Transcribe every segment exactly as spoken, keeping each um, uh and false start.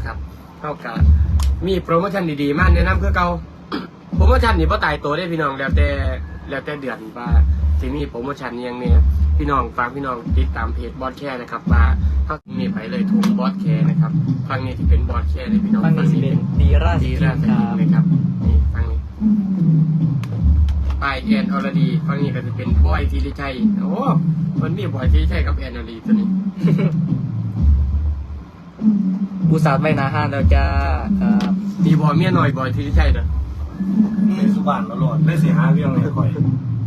นะครับเท่ากับมีโปรโมชั่นดีๆมากแนะนำคือเก่าโปรโมชั่นนี่พ่ตายตัวได้พี่น้องแล้วแต่แล้วแต่เดือนว่าที่มีโปรโมชั่นยังเนี่ยพี่น้องฝากพี่น้องติดตามเพจบอสแคร์นะครับว่าถ้ามีไปเลยทุงบอสแคร์นะครับฟังนี้ที่เป็นบอสแคร์เลยพี่น้องฟังนี้สิเป็นดีราสดีกิราน สคกิรันบเลยครับนี่ฟังนี้ปลายแอนอรดีฟังนี้ก็จะเป็นบอยทีริชัยโอ้มันมีบอยทีริชัยกับแอนอรดีตัวนี้อุตส่าห์ไปนาห้านแล้วจ้าครับมีบอยเมียหน่อยบอยทีริชัยเด้อในสุบานตลอดได้เสียหาเรื่องเลยคอย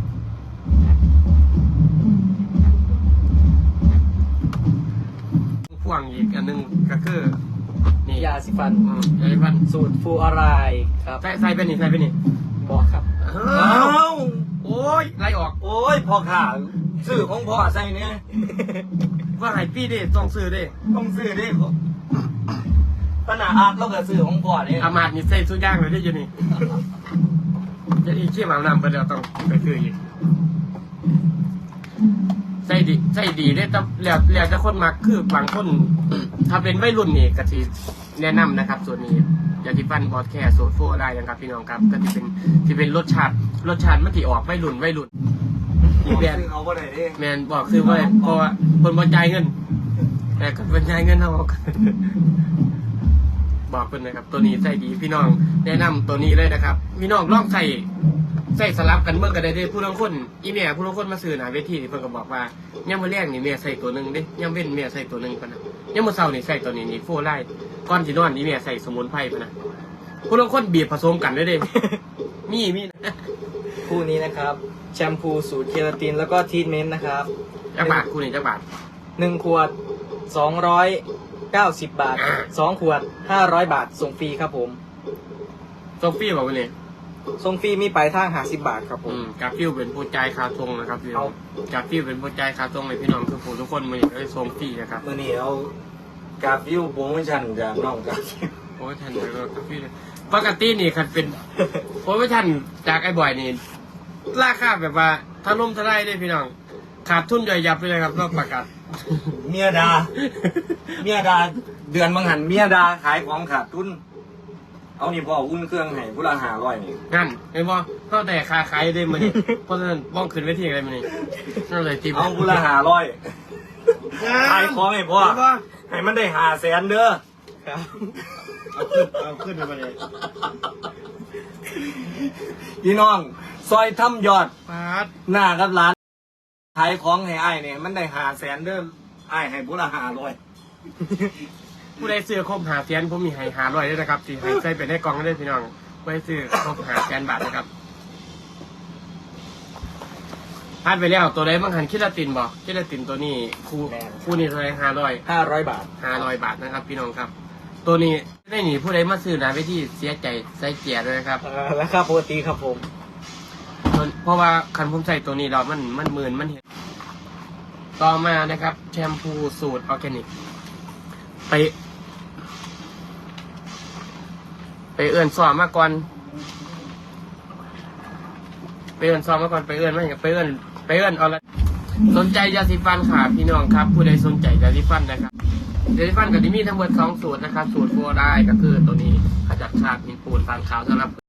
พ่วงอีกอันหนึงก็คือนี่ยาสีฟันอืมยาสีฟันสูตรฟูอารายครับใส่ใส่ไปนี่ใส่ไปนี่บอกครับอ้าวโอ้ยไล่ออกโอ้ยพ่อข่าซื้อของพ่อใส่เนี่ยว่าไห้พี่ดิต้องซื้อดิต้องซื้อดิขนาดอาร์ตเราก็ซื้อของพ่อเนี่ยอามาดนี่ใส่สุดย่างเลยได้ยังนี่จะอีกขี้หมาน้ำไปแล้วต้องไปซื้ออีกใส่ดีใส่ดีได้แต่แล้วแล้วจะคนมักคือบางคน ถ้าเป็นวัยรุ่นนี่ก็สิแนะนำนะครับ ส่วนนี้ยาที่ฟันบอสแคร์โซโฟอะไรนะครับพี่น้องครับก็จะเป็นที่เป็นรสชาติรสชาติมันที่ออกวัยรุ่นวัยรุ่นอีแบรนด์ซื้อเอาก็ได้ดิแมนบอกคือว่าเพราะว่าคนบรรจายเงิน แต่คนบรรจายเงินเท่ากัน บอกเพิ่นนะครับ ตัวนี้ใส่ดีพี่น้องแนะนำตัวนี้เลยนะครับ พี่น้องลองใส่ใส่สลับกันเมื่อกันได้ได้ผู้ลางคนอีเมียผู้ลางคนมาซื้อหนาเวทีเพิ่นก็บอกว่าย่ำมื้อแรกนี่เมียใส่ตัวหนึงเด้ย่ำเว้นเมียใส่ตัวหนึงปะนะย่ำมื้อเช้านี่ใส่ตัวนี้นี่โฟไลท์ก่อนสินอนนี่เมียใส่สมุนไพรปะนะผู้ลางคนบีบผสมกันได้เด้ มีมีคู่นี้นะครับแชมพูสูตรเคราตินแล้วก็ทรีทเมนต์นะครับจักบาทคู่นี้จักบาทหนึ่งขวดสองร้อยเก้าสิบบาทสองขวดห้าร้อยบาทส่งฟรีครับผมโซฟี่บอกว่าเนี่ยส่งฟรีมีปลายทางห้าสิบบาทครับผอืมมกาฟิวเป็นผู้ใจายคาทงนะครับพี่น้องเอากาฟิวเป็นผู้ใจายคาทงเลยพี่น้องคือผู้ทุกคนมาอยากได้ทรงฟรีนะครับมื่อนี้เอากราฟวิวโปรโมชั่นจากน้องกราฟวิวโอ้ยท่านเลยก็กาฟิวเลยปกตินี่คันเป็น โอ้ยท่านจากไอ้บ่อยนี่ราคาแบบว่าถ้าล่มทลายได้พี่น้อง ขาดทุนย่อยยับไปเลยครับต้องประกาศเมียดา เมียดา เดือนบางหันเมียดาขายของขาดทุน เอานี่พ่ออุ่นเครื่องให้ผู้ละหาร้อยนี่งั้นเห็นบ่เข้าแต่คาขายได้มานี่เพราะฉะนั้นบ้องขึ้นเวทีอะไรมานี่นั่นเลยทีมเอาผู้ละหาร้อยขายของให้พ่อเห็นบ่ให้มันได้หาแสนเด้อครับเอาขึ้นเอาขึ้นไปเลยพี่น้อง ซอยทำยอดปาดหน้ากับร้านขายของให้อ้ายเนี่ยมันได้หาแสนเด้ออ้ายให้ผู้ละหาร้อยผู้ใดซื้อครบหาแสนผมมีให้หาร้อยด้วยนะครับที่ให้ใส่ไปในกล่องได้พี่น้องผู้ใดซื้อครบหาแสนบาทนะครับพลาดไปแล้วตัวใดบางหันคิดละตินบอกคิดละตินตัวนี้คู่คู่นี้เท่าไหรห้าร้อยห้าร้อยบาทห้าร้อยบาทนะครับพี่น้องครับ ตัวนี้ได้หนีผู้ใดมาซื้อนะไปที่เสียใจใส่เกียร์ด้วยนะครับเอ่อราคาปกติครับผมเพราะว่าคันผมใส่ตัวนี้เรามันมันหมื่นมันเห็นต่อมานะครับ แชมพูสูตรออร์แกนิกไป ไปเอื้อนซ้อมมาก่อนไปเอื้อนซ้อมมาก่อนไปเอื้อนไม่ไปเอื้อนไปเอื้อนเอาละสนใจยาสีฟันค่ะพี่น้องครับ ผู้ใดสนใจยาสีฟันนะครับยาสีฟันกับที่มีทั้งหมดสองสูตรนะครับ สูตรโฟร์ได้ก็คือตัวนี้ขจัดคราบหินปูนฟางขาวสำหรับ